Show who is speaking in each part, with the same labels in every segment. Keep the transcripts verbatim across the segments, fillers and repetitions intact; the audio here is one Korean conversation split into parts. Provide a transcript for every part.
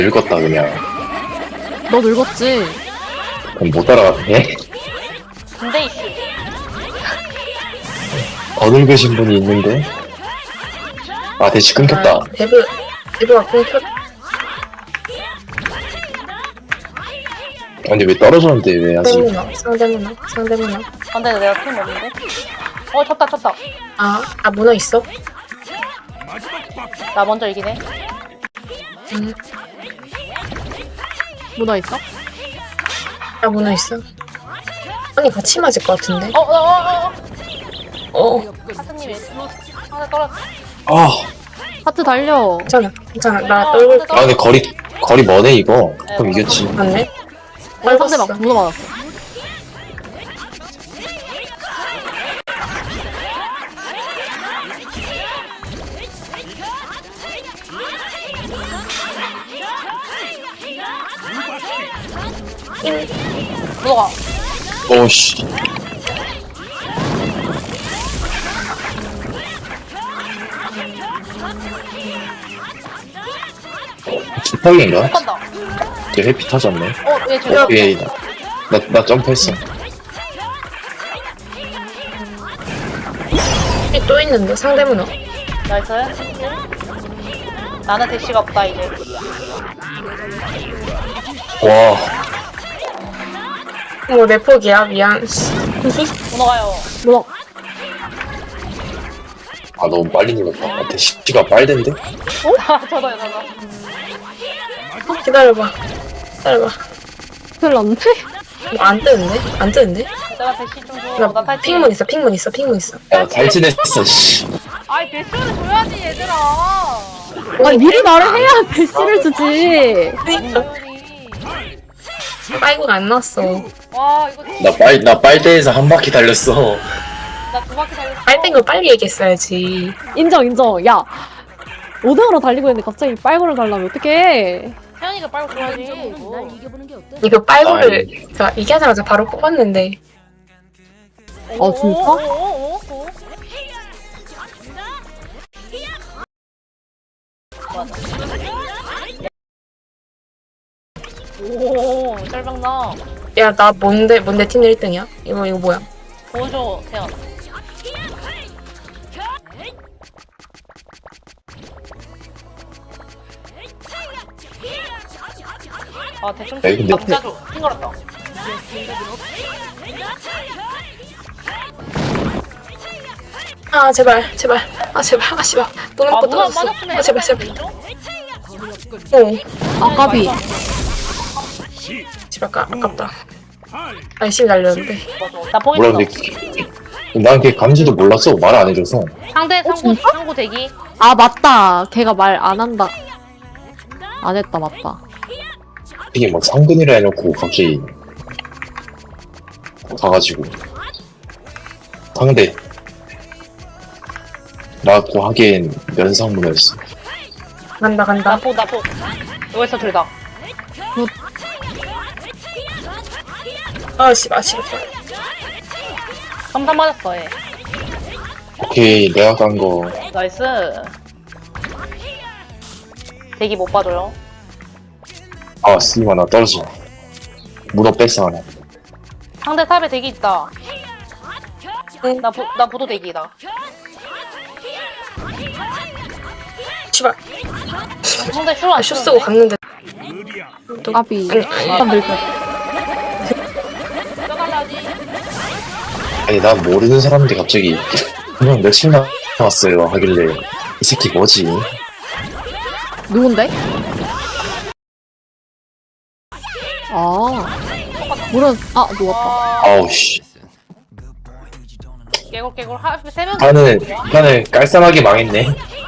Speaker 1: 늙었다 그냥.
Speaker 2: 너 늙었지?
Speaker 1: 그럼 못 따라가네.
Speaker 3: 군대 이슈.
Speaker 1: 더 늙으신 분이 있는데. 아 대시 끊겼다.
Speaker 4: 아, 데브 데브가 끊겼.
Speaker 1: 아니 왜 떨어졌는데 왜 하지?
Speaker 4: 상대문어 상대문어 상대문어.
Speaker 3: 안돼 내가 팀 없는데. 어 쳤다 쳤다.
Speaker 4: 아, 아 문어 있어?
Speaker 3: 나 먼저 이기네.
Speaker 4: 응.
Speaker 2: 문화 있어?
Speaker 4: 아 문어 있어. 아니 같이 맞을 것 같은데.
Speaker 3: 어어어어.
Speaker 4: 어.
Speaker 3: 하트님이 하나 떨어졌어.
Speaker 1: 아,
Speaker 2: 하트 달려.
Speaker 4: 괜찮아 괜찮아 나 떨굴게.
Speaker 1: 아 근데 거리 거리 머네 이거. 그럼 이겼지.
Speaker 4: 맞네.
Speaker 2: 어, 상대 막
Speaker 4: 떨궜어.
Speaker 2: 문어 맞았어.
Speaker 3: 들어가.
Speaker 1: 오씨. 슈퍼인가?
Speaker 3: 간다.
Speaker 1: 이제 회피 터졌네.
Speaker 3: 어얘 저기.
Speaker 1: 어, 예, 나, 나, 나 점프했어.
Speaker 4: 여기 또 있는데 상대문어.
Speaker 3: 나이스. 나는 대시가 없다 이제.
Speaker 1: 와,
Speaker 4: 뭐 내 폭이야 미안.
Speaker 3: 문어가요.
Speaker 2: 문어.
Speaker 1: 아 너무 빨리 눌렀다. 아, 대시가 빨댄데?
Speaker 3: 아 저도요 저도.
Speaker 4: 기다려봐. 기다려봐.
Speaker 2: 큰일 났네.
Speaker 4: 뭐 안 뜨는데? 안 뜨는데?
Speaker 3: 내가 대시 좀 줘. 나
Speaker 4: 나
Speaker 3: 탈지.
Speaker 4: 핑문 있어 핑문 있어 핑문 있어.
Speaker 1: 야, 잘 지냈어, 씨.
Speaker 3: 아이 대시를 줘야지 얘들아.
Speaker 2: 아니 미리 말을 해야 대시를 주지.
Speaker 4: 그니까
Speaker 3: 소리.
Speaker 4: 빨고가 안 나왔어.
Speaker 3: 와 이거
Speaker 1: 나 빨, 나 빨대에서 한 바퀴 달렸어.
Speaker 3: 나 두 바퀴 달렸어.
Speaker 4: 빨된 걸 빨리 얘기했어야지.
Speaker 2: 인정 인정. 야 오 등으로 달리고 있는데 갑자기 빨고를 달라면 어떡해.
Speaker 3: 태연이가 빨고 줘야지. 이거.
Speaker 4: 이거 빨고를 자 얘기하자마자 바로 뽑았는데.
Speaker 2: 아, 진짜?
Speaker 3: 오, 오, 오, 오. 오, 짤방나.
Speaker 4: 야 나 뭔데 뭔데 팀 일 등이야? 이거 이거 뭐야?
Speaker 3: 보여줘, 태연. 아, 대충
Speaker 1: 에이, 근데-
Speaker 3: 남자죠. 핑거렸다.
Speaker 4: 아 제발 제발 아 제발 아 씨발 또
Speaker 3: 아,
Speaker 4: 먹고
Speaker 3: 문어
Speaker 4: 떨어졌어.
Speaker 3: 맞았으면
Speaker 4: 아 제발 제발.
Speaker 3: 되죠?
Speaker 4: 어
Speaker 2: 아까비.
Speaker 4: 제발 까 아깝다. 아 열심히 달렸는데.
Speaker 3: 나
Speaker 1: 뭐라
Speaker 3: 포기했어.
Speaker 1: 근데 난 걔 간지도 몰랐어. 말 안 해줘서.
Speaker 3: 상대 상고
Speaker 2: 진짜?
Speaker 3: 상고 대기.
Speaker 2: 아 맞다. 걔가 말 안 한다. 안 했다 맞다.
Speaker 1: 이게 막 상근이라 해놓고 갑자기 가가지고 상대 나고 하기엔 면상문화였어.
Speaker 4: 간다 간다.
Speaker 3: 나포 나포. 여기서 둘다.
Speaker 4: 아 씨발 아 씨발.
Speaker 3: 삼삼 맞았어 얘.
Speaker 1: 오케이 내가 간 거.
Speaker 3: 나이스. 대기 못 봐줘요.
Speaker 1: 아 쓰기만 나 떨어져. 문어 뺐어 하나.
Speaker 3: 상대 탑에 대기 있다.
Speaker 4: 응.
Speaker 3: 나, 부, 나 부도 대기다.
Speaker 4: 씨발
Speaker 3: 상대 슈안
Speaker 4: 아, 슛 쓰고 갔는데. 또
Speaker 2: 까비.
Speaker 4: 아니, 아니.
Speaker 2: 일단 밀고.
Speaker 3: 떠달라지.
Speaker 1: 아니 난 모르는 사람인데 갑자기 그냥 며칠 나왔어요 하길래 이 새끼 뭐지?
Speaker 2: 누군데? 아. 물은 아 누웠다.
Speaker 3: 와,
Speaker 1: 아우 씨.
Speaker 3: 깨골 깨골 하, 세 명.
Speaker 1: 판은 판은 깔쌈하게 망했네.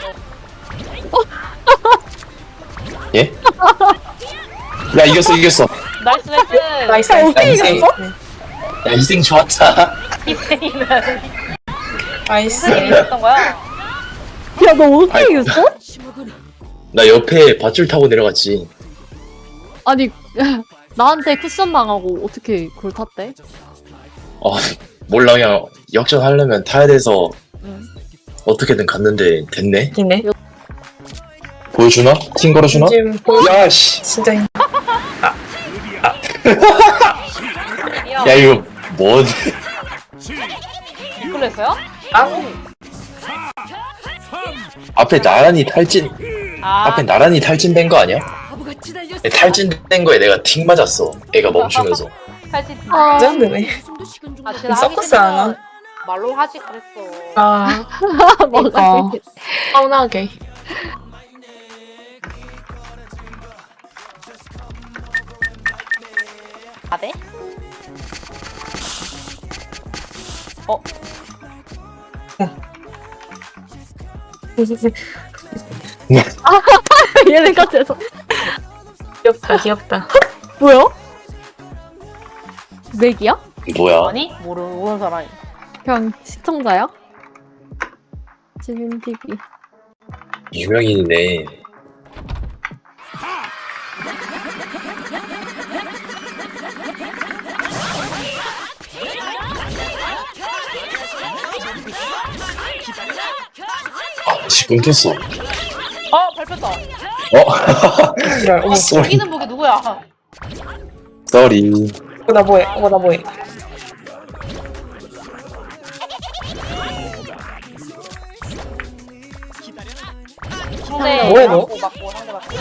Speaker 1: 예? 야 이겼어 이겼어.
Speaker 3: 나이스 나이스.
Speaker 4: 나이스
Speaker 2: 야,
Speaker 4: 나이스.
Speaker 2: 어떻게
Speaker 4: 나이스.
Speaker 2: 이겼어?
Speaker 1: 야 희생 좋았다.
Speaker 3: 희생이는
Speaker 4: 나이스.
Speaker 3: 희생이었던 거야.
Speaker 2: 야 너 어떻게
Speaker 1: 아이.
Speaker 2: 이겼어?
Speaker 1: 나 옆에 밧줄 타고 내려갔지.
Speaker 2: 아니 나한테 쿠션 당하고 어떻게 그걸 탔대?
Speaker 1: 어 몰라 그냥 역전하려면 타야 돼서
Speaker 2: 응.
Speaker 1: 어떻게든 갔는데 됐네.
Speaker 4: 이네.
Speaker 1: 보여주나? 팀 걸어주나?
Speaker 4: 지금 보여.
Speaker 1: 야씨
Speaker 4: 진짜 힘-
Speaker 3: 야,
Speaker 1: 야 이거 뭐
Speaker 3: 그랬어요?
Speaker 4: 아,
Speaker 1: 앞에 나란히 탈진
Speaker 3: 아,
Speaker 1: 앞에 나란히 탈진된 거 아니야? 탈진된 거에 내가 틱 맞았어 애가 멈추면서
Speaker 3: 사실
Speaker 2: 아,
Speaker 4: 레전드네.
Speaker 3: 아, 진짜
Speaker 4: 서커스 안 와?
Speaker 3: 말로 하지 그랬어.
Speaker 4: 아,
Speaker 2: 뭐가
Speaker 4: 그러니까.
Speaker 2: 되게-
Speaker 4: 서운하게.
Speaker 3: 아, 돼? 어,
Speaker 2: 얘네가 돼서
Speaker 4: 귀엽다, 귀엽다.
Speaker 2: 뭐야? 맥이야?
Speaker 1: 뭐야?
Speaker 3: 아니? 모르, 모르는 사람이.
Speaker 2: 그냥 시청자야? 지민 티비.
Speaker 1: 유명인이네 아 씨 끊겼어
Speaker 3: 어, 밟혔다.
Speaker 1: 어?
Speaker 4: 지랄, 어머.
Speaker 1: 쏘리
Speaker 3: 이기는 목이 누구야?
Speaker 1: 쏘리
Speaker 4: 어, 나 뭐해? 어, 나 뭐해?
Speaker 3: 상대
Speaker 4: 뭐해, 너?
Speaker 3: 맞고, 맞고, 상대 맞고.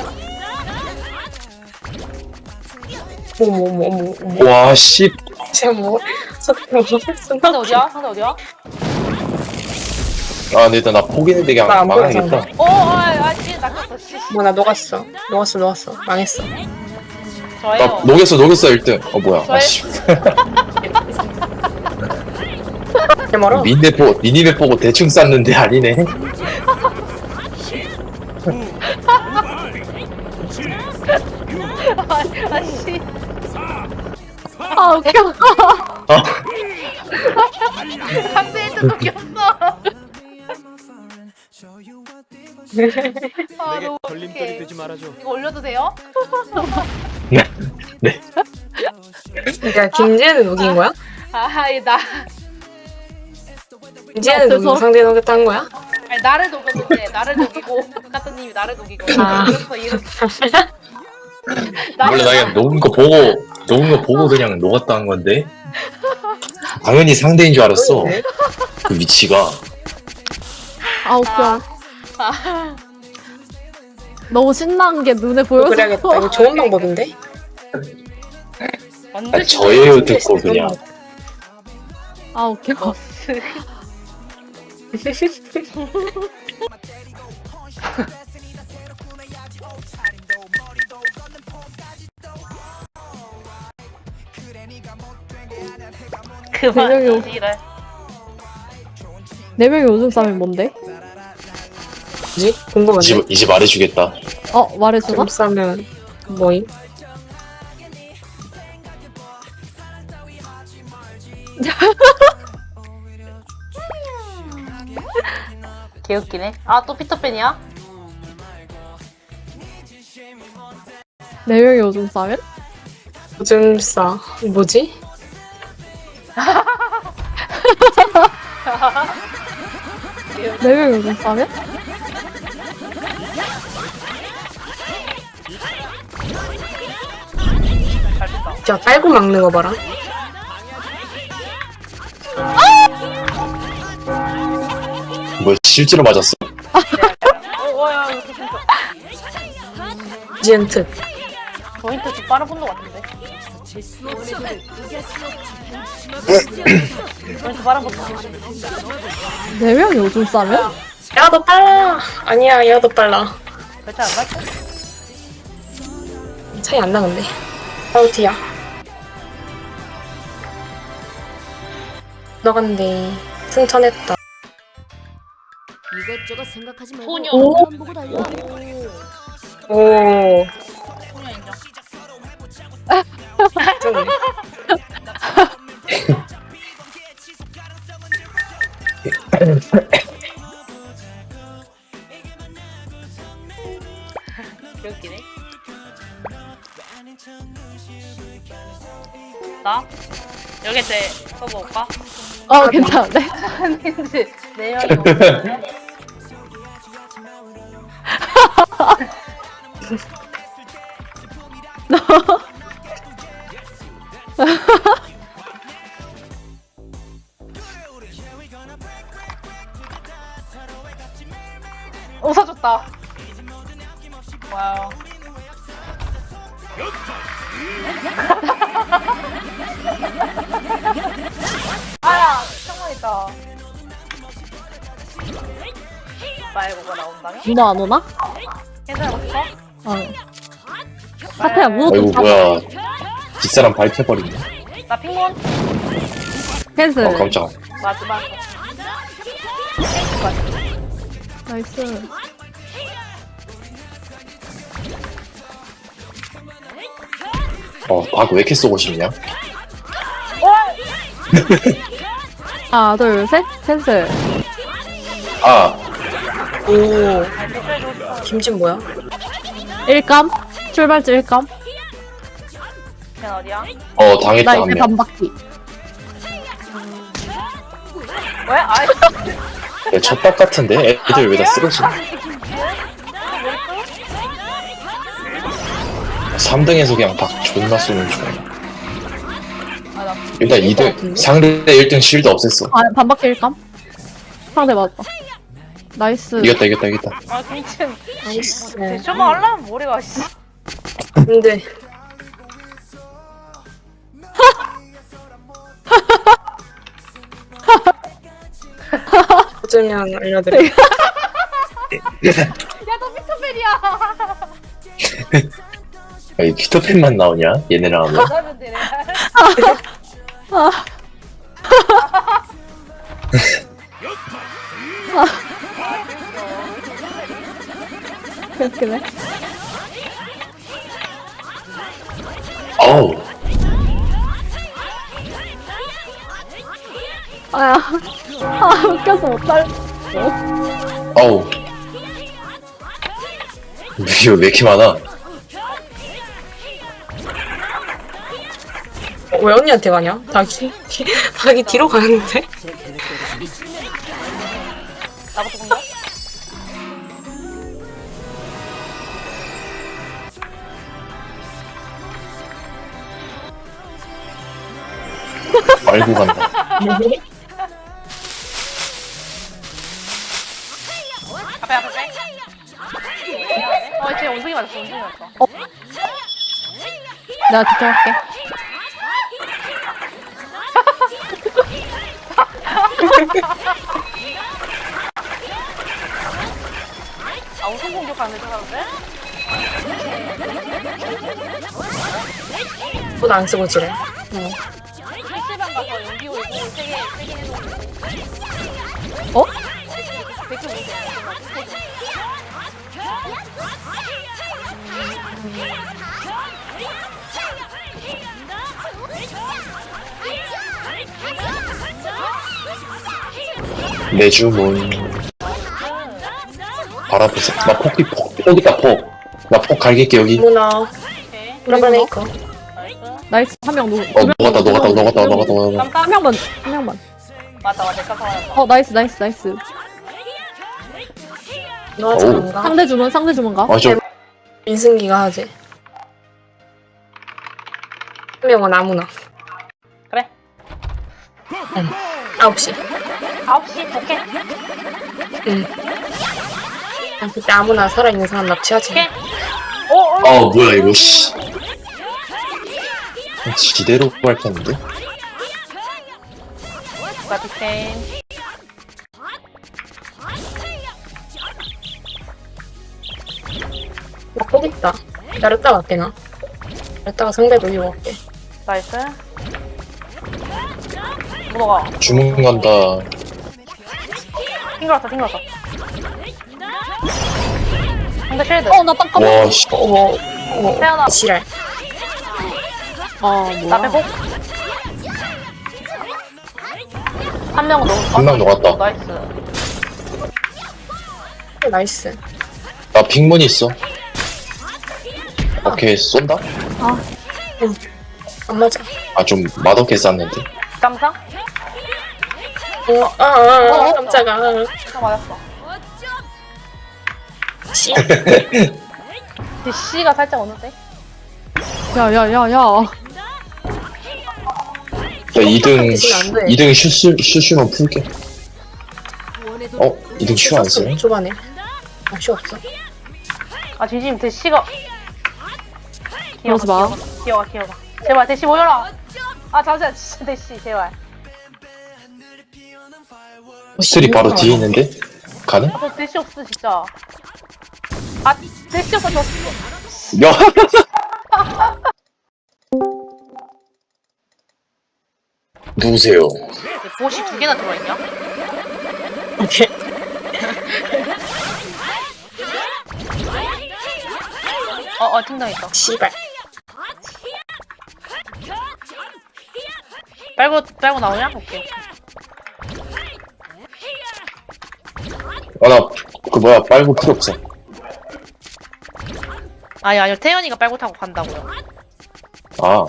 Speaker 4: 어머, 어머, 어머, 어머.
Speaker 1: 와씨
Speaker 4: 진짜 뭐. 저렇게 먹을 수가
Speaker 3: 상대
Speaker 4: 없어.
Speaker 3: 어디야? 상대 어디야?
Speaker 1: 아 근데 일단 나 포기했는데 그냥
Speaker 4: 나안
Speaker 1: 망하겠다
Speaker 4: 보여서.
Speaker 3: 어, 아, 아, 씨, 낚였어, 씨.
Speaker 4: 뭐, 나 녹았어. 녹았어, 녹았어. 망했어.
Speaker 3: 저예요.
Speaker 1: 나 녹였어 녹였어 일 등 어 뭐야
Speaker 3: 저의-
Speaker 1: 아씨
Speaker 4: 개 멀어?
Speaker 1: 미니맵 보고 미니맵 보고 대충 쌌는데 아니네
Speaker 3: 아, 아, 씨.
Speaker 2: 아 웃겨.
Speaker 1: 어.
Speaker 3: 상대에도 녹였어. 아, 너무
Speaker 5: 걸림돌이
Speaker 3: 어떡해.
Speaker 5: 되지 말아줘.
Speaker 3: 이거 올려도 돼요?
Speaker 1: 네. 네.
Speaker 4: 야, 김지혜는 녹인 거야?
Speaker 3: 아, 이 나,
Speaker 4: 김지혜는
Speaker 2: 그래서?
Speaker 4: 녹이고 상대 녹였다는 거야?
Speaker 3: 아니, 나를 녹였는데, 나를 녹이고, 카트님이 나를 녹이고.
Speaker 4: 아.
Speaker 3: 이랬어, 이랬어.
Speaker 1: 원래 나 그냥 녹은 거 보고 녹은 거 보고 그냥 녹았다는 건데 당연히 상대인 줄 알았어 그 위치가
Speaker 2: 아 웃겨.
Speaker 3: 아,
Speaker 2: 너무 신나는 게 눈에 보여서.
Speaker 4: 그래야겠다. 이거 좋은 방법인데?
Speaker 3: 완전
Speaker 1: 아, 저예요 듣고 그냥
Speaker 2: 아 웃겨.
Speaker 3: 버스. 그만
Speaker 2: 대명이
Speaker 3: 지랄.
Speaker 2: 네 명이 오줌 싸면 뭔데?
Speaker 4: 뭐지? 궁금한데?
Speaker 1: 이제, 이제 말해주겠다
Speaker 2: 어 말해주나?
Speaker 4: 좀 싸면 뭐임?
Speaker 3: 개웃기네. 아, 또 피터팬이야?
Speaker 2: 네 명이 오줌 싸면?
Speaker 4: 오줌 싸. 뭐지?
Speaker 2: 네 명이 오줌 싸면?
Speaker 3: 잘 됐다.
Speaker 4: 야, 깔고 막는 거 봐라.
Speaker 1: 뭐 실제로 맞았어
Speaker 3: 어, 어, 야, 이거 진짜.
Speaker 4: 지은 특.
Speaker 3: 저인트 좀 빠른 분도 같은데. 저인트 빠른 분도 같은데.
Speaker 2: 네 명이 오줌 싸면?
Speaker 4: 야, 너 빨라. 아니야, 얘가 더 빨라.
Speaker 3: 그렇지 않나?
Speaker 4: 차이 안 나는데. 아우티야. 너간데 승천했다.
Speaker 6: 이것저것 생각하지 말고
Speaker 3: 소녀.
Speaker 6: 오만 보고 달려.
Speaker 4: 오.
Speaker 3: 소녀 인정.
Speaker 4: 좀.
Speaker 3: 개웃기네. 나? 여기 제 서버 올까?
Speaker 2: 어 괜찮은데?
Speaker 3: 아닌지 네 명이 오거든요. 웃어줬다. 와우. 아야, 창문이다. 말고가 나온다면?
Speaker 2: 문어 안 오나?
Speaker 3: 괜찮았어?
Speaker 2: 어. 사태야 문어 좀
Speaker 1: 아이고
Speaker 2: 잡아.
Speaker 1: 뭐야 뒷사람 밟혀버리네.
Speaker 3: 나 핑몬?
Speaker 2: 캔슬.
Speaker 1: 어 깜짝.
Speaker 3: 마지막.
Speaker 2: 나이스.
Speaker 1: 어박 왜 이렇게 쏘고 싶냐?
Speaker 2: 하나 둘 셋. 캔슬.
Speaker 1: 아
Speaker 4: 오. 김진 뭐야?
Speaker 2: 일감. 출발지 일감.
Speaker 3: 걔 어디야?
Speaker 1: 어 당했다
Speaker 2: 나
Speaker 1: 한
Speaker 2: 이제
Speaker 1: 명.
Speaker 2: 반바퀴.
Speaker 3: 왜? 아이,
Speaker 1: 야, 첫박 같은데? 애들 왜 다 쓰러지냐? 삼 등에서 그냥 박 존나 쏘는 중.
Speaker 3: 아, 나
Speaker 1: 일단 이 등 상대 일 등 실드 없앴어.
Speaker 2: 아 반바퀴 일감. 상대 맞다. 나이스.
Speaker 1: 이겼다 이겼다 이겼다.
Speaker 3: 아, 김치는
Speaker 4: 나이스.
Speaker 3: 대쇼만 하려면 머리가 씨.
Speaker 4: 근데 어쩌면 알려드려.
Speaker 3: 야, 너 피터팬이야.
Speaker 1: 아니 피터팬만 나오냐? 얘네랑 하면.
Speaker 3: 나는 되네.
Speaker 2: 웃기네.
Speaker 1: 어우
Speaker 2: 아야. 아 웃겨서 못 살려.
Speaker 1: 어우 이거 왜 이렇게 많아?
Speaker 4: 어, 왜 언니한테 가냐? 닭이 닭이 뒤로 가는데?
Speaker 3: 나부터 본다?
Speaker 1: 말고 간다.
Speaker 3: 앞에 앞에 빼. 어, 쟤 원숭이 맞았어. 원숭이 맞았어.
Speaker 2: 내가 지켜갈게.
Speaker 3: 아, 우선 공격하는 데 사람들?
Speaker 4: 돈 안 쓰고 지래.
Speaker 3: 피시방 가서 연기 올고 세개 세개 해놓고.
Speaker 2: 어?
Speaker 3: 백점 오세요.
Speaker 1: 내 주문. 바로 앞에서. 나 폭이 폭. 여기 있다 폭. 나 폭 갈길게 여기.
Speaker 4: 문어.
Speaker 3: 오케이.
Speaker 4: 브라바네이커.
Speaker 3: 나이스.
Speaker 2: 나이스 한 명 누.
Speaker 1: 어 녹았다 녹았다 녹았다 녹았다 녹았다.
Speaker 3: 깜깜.
Speaker 2: 한 명만 한 명만.
Speaker 3: 맞다, 맞다. 깜깜 맞았다.
Speaker 2: 어 나이스 나이스 나이스.
Speaker 4: 너
Speaker 1: 어우.
Speaker 4: 잘한가?
Speaker 2: 상대 주문 상대 주문 가.
Speaker 1: 아좀
Speaker 4: 민승기가 하지. 한 명은 아무나.
Speaker 3: 그래.
Speaker 4: 아홉 시.
Speaker 3: 아홉 시 오케이.
Speaker 4: 응. 아, 그때 아무나 살아있는 사람 납치하지.
Speaker 3: 오케이. 오, 오.
Speaker 1: 어 뭐야 이거 씨. 지대로 밟혔는데?
Speaker 3: 나 빅텐.
Speaker 4: 나 포기했다. 기다렸다 갈게 나. 기다렸다가 상대 돌리고 갈게.
Speaker 3: 나이스. 뭐가?
Speaker 1: 주문 간다.
Speaker 3: 튕겨왔어, 튕겨왔어. 상대 쉴드.
Speaker 2: 어나 깜깜.
Speaker 1: 와 씨.
Speaker 4: 어머, 어머,
Speaker 3: 태어나.
Speaker 4: 지랄.
Speaker 2: 아
Speaker 3: 나
Speaker 2: 뭐야.
Speaker 3: 빼고. 한 명은 너무.
Speaker 1: 한 명 녹았다.
Speaker 3: 나이스.
Speaker 4: 나이스.
Speaker 1: 나 핑문 있어. 오케이 쏜다?
Speaker 4: 안 맞아.
Speaker 1: 아 좀 맛없게 쌌는데.
Speaker 3: 깜상?
Speaker 4: 어, 아, 아, 아, 깜짝아.
Speaker 3: 깜상 맞았어.
Speaker 4: 씨.
Speaker 3: 대시가 살짝 오는데?
Speaker 2: 야야야야.
Speaker 1: 야 이 등
Speaker 4: 대신 안 돼.
Speaker 1: 이 등 슈슈 슈슈만 풀게. 어? 이 등 슈 안 쓰네?
Speaker 4: 초반에. 아, 쉬 없어.
Speaker 3: 아 진심 대시가
Speaker 2: 그러지 마.
Speaker 3: 기어가 기어가 제발 대시 모여라. 아 잠시만 진짜 대시 제발.
Speaker 1: 스트리 바로 뒤에 있는데? 가능?
Speaker 3: 아, 저 대시 없어 진짜. 아 대시 없어 졌어.
Speaker 1: 야! 누구세요?
Speaker 3: 보시 두 개나 들어있냐?
Speaker 4: 오케이.
Speaker 3: 어어 팀당했다.
Speaker 4: 씨발.
Speaker 3: 빨고 빨고 나오냐? 오케이.
Speaker 1: 아, 나, 그 뭐야, 빨고 필요 없어.
Speaker 3: 아니 아니요 태연이가 빨고 타고 간다고요.
Speaker 1: 아.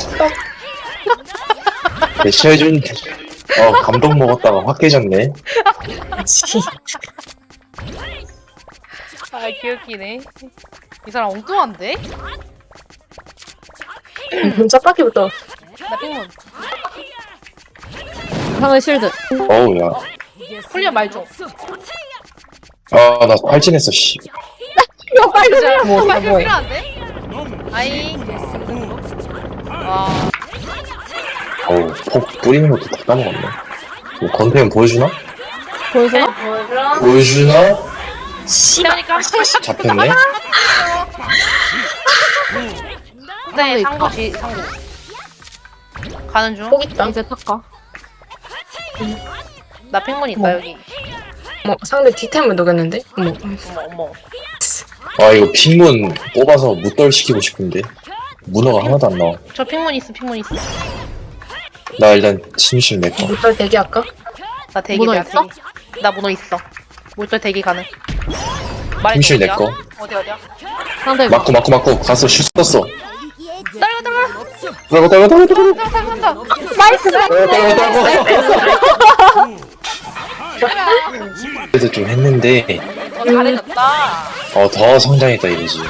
Speaker 1: 대시해준, 어, 감동 먹었다가 확 깨졌네.
Speaker 4: 씨.
Speaker 3: 아 귀엽기네. 이 사람 엉뚱한데?
Speaker 4: 짜파기부터.
Speaker 3: 나 핑문.
Speaker 2: 상대 실드.
Speaker 1: 어우, 야.
Speaker 3: 훈련 말 좀.
Speaker 1: 아, 나 발진했어, 씨.
Speaker 2: 이거 빨리.
Speaker 3: 진짜
Speaker 4: 뭐,
Speaker 3: 말
Speaker 4: 뭐.
Speaker 3: 필요한데? 아이. 와.
Speaker 1: 어우, 폭 뿌리는 것도 다 까먹었네. 뭐, 건태는 보여주나?
Speaker 2: 보여주나?
Speaker 1: 보여주나?
Speaker 4: 씨발.
Speaker 3: 그러니까.
Speaker 1: 잡혔네?
Speaker 3: 네 상고 지 상고. 가는 중.
Speaker 4: 폭 있다.
Speaker 2: 이제 탈까?
Speaker 3: 나 핑문 있다
Speaker 4: 뭐.
Speaker 3: 여기.
Speaker 4: 뭐, 상대 디템을 녹였는데? 뭐.
Speaker 3: 어머 어머.
Speaker 1: 아, 이거 핑문 뽑아서 무떨 시키고 싶은데. 문어가 하나도 안 나와.
Speaker 3: 저 핑문 있어 핑문 있어.
Speaker 1: 나 일단 진심 내 거.
Speaker 4: 물떨 대기할까?
Speaker 3: 나 대기
Speaker 2: 문어
Speaker 3: 나
Speaker 2: 있어?
Speaker 3: 대기. 나 문어 있어. 물결 대기 가능. 말해
Speaker 1: 팀실 내
Speaker 3: 어디야?
Speaker 1: 거.
Speaker 3: 어디 어디야?
Speaker 2: 상대
Speaker 1: 맞고, 맞고, 맞고. 가서 슛 썼어.
Speaker 3: 따라가 따라가.
Speaker 1: 따라가, 따라가, 따라가, 따라가.
Speaker 3: 따라가 따라가.
Speaker 2: 나이스.
Speaker 1: 따라가, 따라가. 그래도 좀 했는데,
Speaker 3: 어 잘해졌다.
Speaker 1: 어, 더 성장했다 이거지.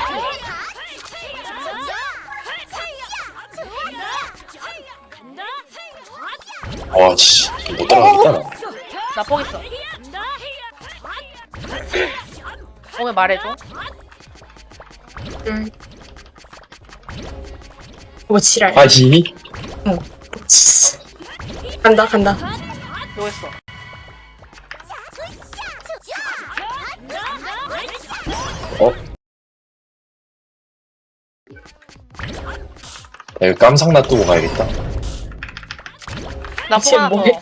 Speaker 1: 와, 씨. 못 따라가겠다, 나.
Speaker 3: 나 포기 있어. 오면 말해줘.
Speaker 4: 응. 뭐, 지랄.
Speaker 1: 아지?
Speaker 4: 간다, 간다.
Speaker 3: 뭐 했어?
Speaker 1: 어? 야, 이거 깜상 놔두고 가야겠다.
Speaker 3: 나
Speaker 4: 미친
Speaker 3: 포기 하나 더.
Speaker 4: 뭐해?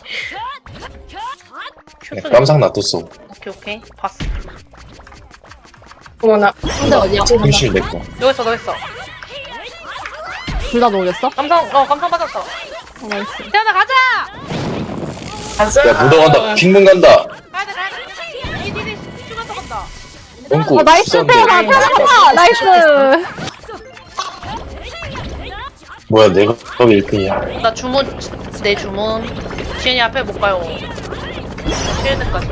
Speaker 3: 큐
Speaker 1: 야,
Speaker 3: 쓰기.
Speaker 1: 깜상 놔뒀어.
Speaker 3: 오케이 오케이 봤어.
Speaker 4: 어머, 나.
Speaker 2: 상대 어디야?
Speaker 4: 지금 간다.
Speaker 1: 팀실 내 거.
Speaker 3: 너 했어 너 했어.
Speaker 2: 둘 다 녹였어?
Speaker 3: 감성 어 감성 받았어.
Speaker 2: 어, 나이스.
Speaker 3: 태연아 가자.
Speaker 4: 가자.
Speaker 1: 야, 묻어 간다. 핑문 간다.
Speaker 3: 가야 돼 가야 돼. 이디디 슈가 더 간다.
Speaker 1: 똥꼬
Speaker 2: 어, 나이스
Speaker 1: 쑤었는데.
Speaker 2: 태연아. 태연아. 나이스.
Speaker 1: 뭐야, 내가 일 등이야.
Speaker 3: 나 주문 내 주문. 지현이 앞에 못 가요. 쉴드까지.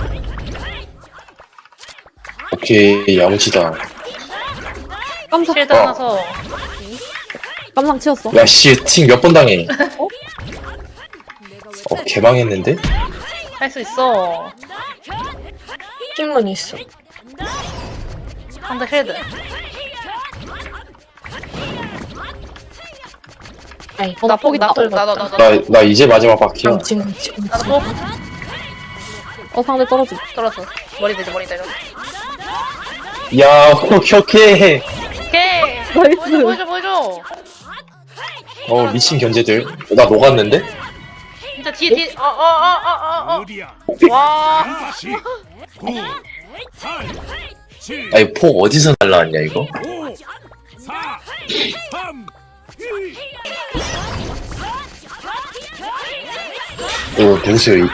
Speaker 1: 오케이, 야무지다.
Speaker 2: 깜짝.
Speaker 3: 쉴드
Speaker 1: 어.
Speaker 3: 하나서.
Speaker 2: 깜상 치웠어.
Speaker 1: 야, 씨, 팀 몇 번 당해. 어, 개망했는데?
Speaker 3: 할 수 있어.
Speaker 4: 핑문이 있어.
Speaker 3: 상대 쉴드.
Speaker 4: 아이,
Speaker 2: 어,
Speaker 3: 나
Speaker 2: 포기
Speaker 3: 포기
Speaker 2: 있다.
Speaker 3: 나도 나도 나도.
Speaker 1: 나, 나 이제 마지막 바퀴야.
Speaker 4: 아, 지금, 지금.
Speaker 3: 나도 포.
Speaker 2: 어, 상대 떨어지.
Speaker 3: 떨어져. 머리 대줘 머리 대줘.
Speaker 1: 야, 오케이, 오케이.
Speaker 3: 오케이.
Speaker 2: 나이스.
Speaker 3: 보여줘 보여줘.
Speaker 1: 어, 미친 견제들. 나 녹았는데?
Speaker 3: 진짜 뒤에 뒤에. 어어어어어 어.
Speaker 5: 어디야?
Speaker 3: 와.
Speaker 5: 다시 구, 팔, 칠,
Speaker 1: 아니, 폭 어디서 날라왔냐, 이거?
Speaker 5: 오, 사, 삼, 이.
Speaker 1: 이거 누구세요, 이?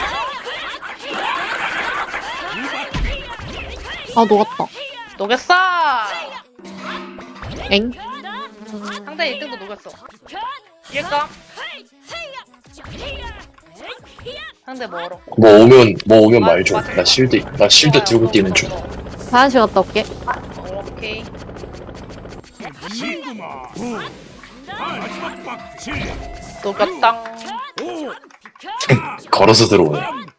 Speaker 2: 아, 녹았다.
Speaker 3: 녹였어.
Speaker 2: 엥?
Speaker 3: 상대 일 등도 녹였어. 이길까? 상대 멀어.
Speaker 1: 뭐 오면, 뭐 오면 말 좀. 나 실드, 나 실드 들고 뛰는 중.
Speaker 2: 화장실 갔다 올게.
Speaker 3: 오케이.
Speaker 5: 구, 팔, 마지막 박치.
Speaker 3: 녹였당.
Speaker 5: 오,
Speaker 1: 걸어서 들어오네.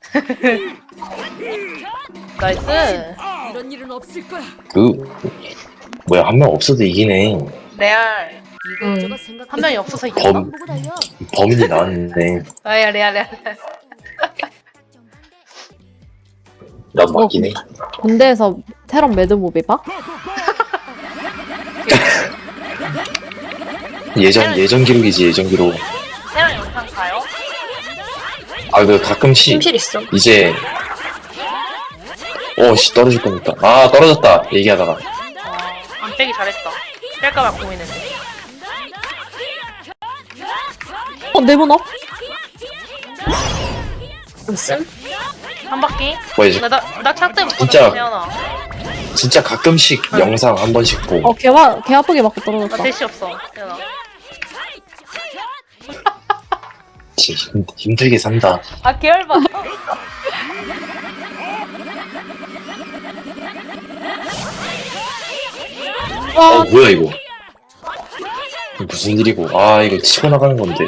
Speaker 3: 나이스.
Speaker 6: 이런 일은 없을 거야.
Speaker 1: 그 뭐야 한 명 없어도 이기네.
Speaker 3: 레알.
Speaker 6: 이것저것 생각.
Speaker 3: 한 명이 없어서 이겨.
Speaker 1: 범
Speaker 6: 보고 달려.
Speaker 1: 범인이 나왔네.
Speaker 3: 아야 레알 레알. 레알.
Speaker 1: 나도 맞긴 해.
Speaker 2: 군대에서 테런 매드무비 봐?
Speaker 1: 예전 예전 기록이지 예전 기록.
Speaker 3: 세랑 영상 가요?
Speaker 1: 아 그 가끔씩
Speaker 4: 침실 있어.
Speaker 1: 이제 어씨 떨어질 뻔했다. 아 떨어졌다 얘기하다가.
Speaker 3: 어, 안 빼기 잘했다. 뺄까봐 고민했네.
Speaker 2: 어 네모나?
Speaker 4: 무슨?
Speaker 3: 한 바퀴?
Speaker 1: 뭐 이제
Speaker 3: 나나차 때부터
Speaker 1: 진짜.
Speaker 3: 태어나.
Speaker 1: 진짜 가끔씩 영상 한 번씩 보고.
Speaker 2: 어 개와 개 아프게 맞고
Speaker 3: 나
Speaker 2: 떨어졌다.
Speaker 3: 대시 없어. 태어나.
Speaker 1: 진짜 힘, 힘들게 산다.
Speaker 3: 아 계열봐.
Speaker 1: 어 뭐야 이거. 이거 무슨 일이고. 아 이거 치고 나가는 건데.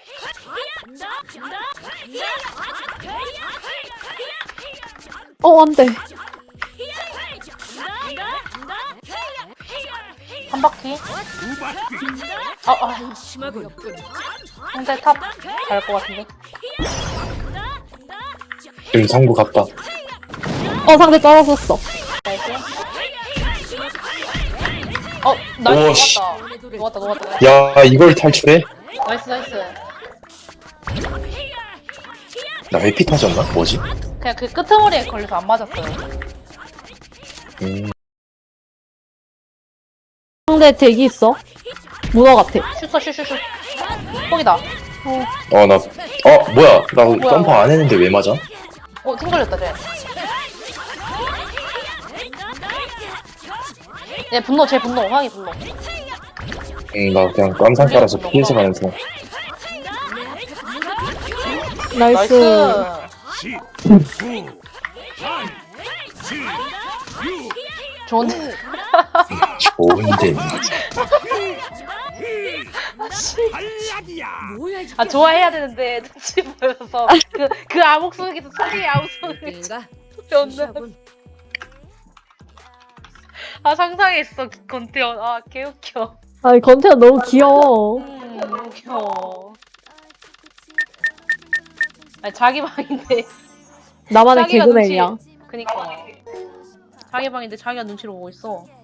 Speaker 2: 어 안돼.
Speaker 3: 한 바퀴.
Speaker 5: 두 바퀴.
Speaker 3: 아 아.
Speaker 6: 심하군.
Speaker 3: 상대 탑 갈 것 같은데.
Speaker 1: 지금 상부 갔다.
Speaker 2: 어 상대 떨어졌어.
Speaker 3: 나이스. 어 나이스
Speaker 1: 오, 씨.
Speaker 3: 녹았다. 녹았다 녹았다.
Speaker 1: 야 이걸 탈출해?
Speaker 3: 나이스 나이스.
Speaker 1: 나 회피 터졌나? 뭐지?
Speaker 3: 그냥 그 끄트머리에 걸려서 안 맞았어요.
Speaker 1: 음,
Speaker 2: 상대 대기 있어. 문어 같아.
Speaker 3: 슛어 슛슛슛. fog이다.
Speaker 1: 어, 나, 어, 뭐야. 나 점프 안 했는데 왜 맞아?
Speaker 3: 어, 팀 걸렸다, 쟤. 얘 분노, 쟤 분노, 황이 분노.
Speaker 1: 응, 나 그냥 깜상 깔아서 피해서 가면서.
Speaker 2: 나이스.
Speaker 3: 나이스.
Speaker 5: 십, 구, 팔, 칠, 육,
Speaker 3: 좋은데.
Speaker 1: 좋은데.
Speaker 5: 탈락이야.
Speaker 6: 뭐야 이게?
Speaker 3: 아, 좋아해야 되는데, 눈치 보여서. 그, 그 암흑 속에서 소리 암흑 속에서.
Speaker 6: 내가
Speaker 3: 없는.
Speaker 6: 무시하군.
Speaker 3: 아, 상상했어, 건태현. 아, 개웃겨.
Speaker 2: 아니 건태가 너무 귀여워.
Speaker 3: 음, 너무 귀여워. 아니, 자기 방인데.
Speaker 2: 나만의
Speaker 3: 자기가
Speaker 2: 개그맨이야.
Speaker 3: 눈치- 그니까. 자기 방인데 자기가 눈치를 보고 있어.